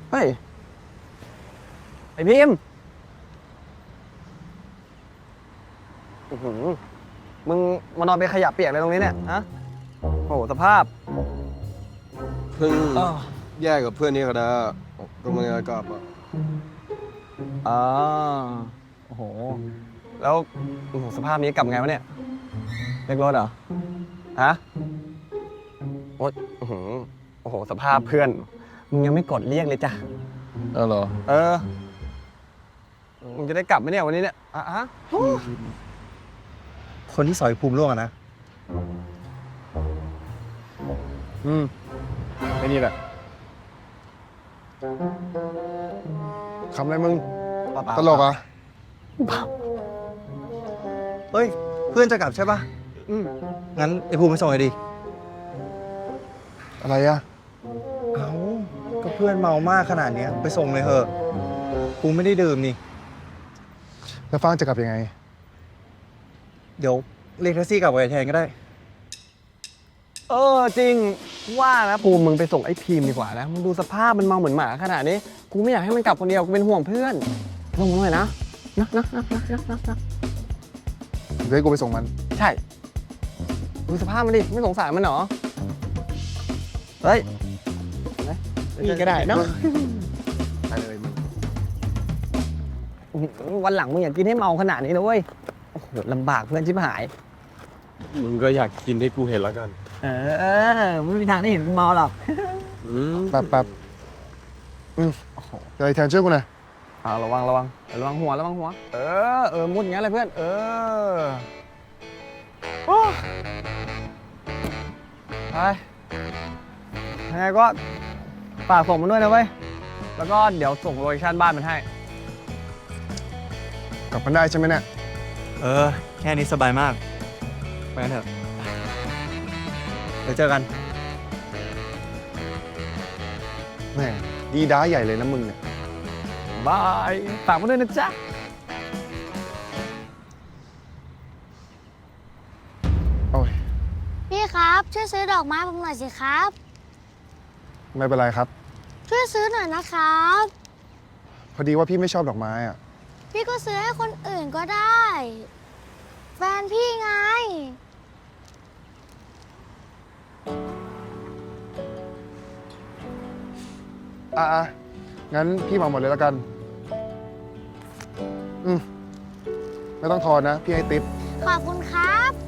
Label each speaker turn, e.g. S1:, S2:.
S1: เฮ้ยไอพิมพ์มึงมานอนเป็นขยะเปียกอะไรตรงนี้เนี่ยฮะโอ้โหสภาพ
S2: เพิ่งแยกกับเพื่อนนี่ก็ได้ก็ไม่ได้กลับอ่ะ
S1: อ๋อโอ้โหแล้วโอ้โหสภาพนี้กลับไงวะเนี่ยเรียกรถเหรอฮะโอ๊ยโอ้โหสภาพเพื่อนมึงยังไม่กดเรียกเลยจ้ะ
S2: เหรอ
S1: มึงจะได้กลับไหมเนี่ยวันนี้เนี่ยฮะ
S3: คนที่สอยภูมิร่วงอะนะ
S2: ไอ้นี่แหละคำอะไรมึงตลกอ่ะ
S3: เฮ้ย เพื่อนจะกลับใช่ปะงั้นไอ้ภูมิไปส่งเลยดิ
S2: อะไรอ่ะ
S3: เอ้า ก็เพื่อนเมามากขนาดเนี้ยไปส่งเลยเถอะภูมิไม่ได้ดื่มนี่
S2: แล้วฟ้างจะกลับยังไง
S3: เดี๋ยวเรียกแท็กซี่กลับไปแทนก็ได้
S1: จริงว่านะภูมิมึงไปส่งไอ้พีมดีกว่านะมึงดูสภาพมันเมาเหมือนหมาขนาดนี้กูไม่อยากให้มันกลับคนเดียวกูเป็นห่วงเพื่อนลงมาหน่อยนะนะ
S2: เดี๋ยวให้กูไปส่งมัน
S1: ใช่ดูสภาพมันดิไม่สงสารมันเหรอเฮ้ยนี่ก็ได้เนาะ
S2: ไปเลยมึง
S1: วันหลังมึงอย่ากินให้เมาขนาดนี้นะเว้ยโอ้โหลำบากเพื่อนชิบหาย
S2: มึงก็อยากกินให้กูเห็นแล้วกัน
S1: ไม่มีทางได้เห็นมึงเมาหรอก
S2: แป๊บเดี๋ยวไอ้แทนช่วยกูหน่อย
S1: ระวังหัวมุดอย่างนั้นเลยเพื่อนโอ้ไปยังไงก็ฝากส่งมันด้วยนะเว้ยแล้วก็เดี๋ยวส่งโลเคชั่นบ้านมันให้
S2: กลับมันได้ใช่ไหมเนี่ย
S3: แค่นี้สบายมาก ไปกันเถอะ เดี๋ยวเจอกัน
S2: แหมดีด้าใหญ่เลยนะมึงเนี่ย
S1: บายฝากมันด้วยนะจ๊ะ
S2: โอ้ย
S4: พี่ครับช่วยซื้อดอกไม้ผมหน่อยสิครับ
S2: ไม่เป็นไรครับ
S4: ช่วยซื้อหน่อยนะครับ
S2: พอดีว่าพี่ไม่ชอบดอกไม้อ่ะ
S4: พี่ก็ซื้อให้คนอื่นก็ได้ แฟนพี่ไง
S2: งั้นพี่เหมาหมดเลยแล้วกัน ไม่ต้องทอนนะ พี่ให้ติ๊บ
S4: ขอบคุณครับ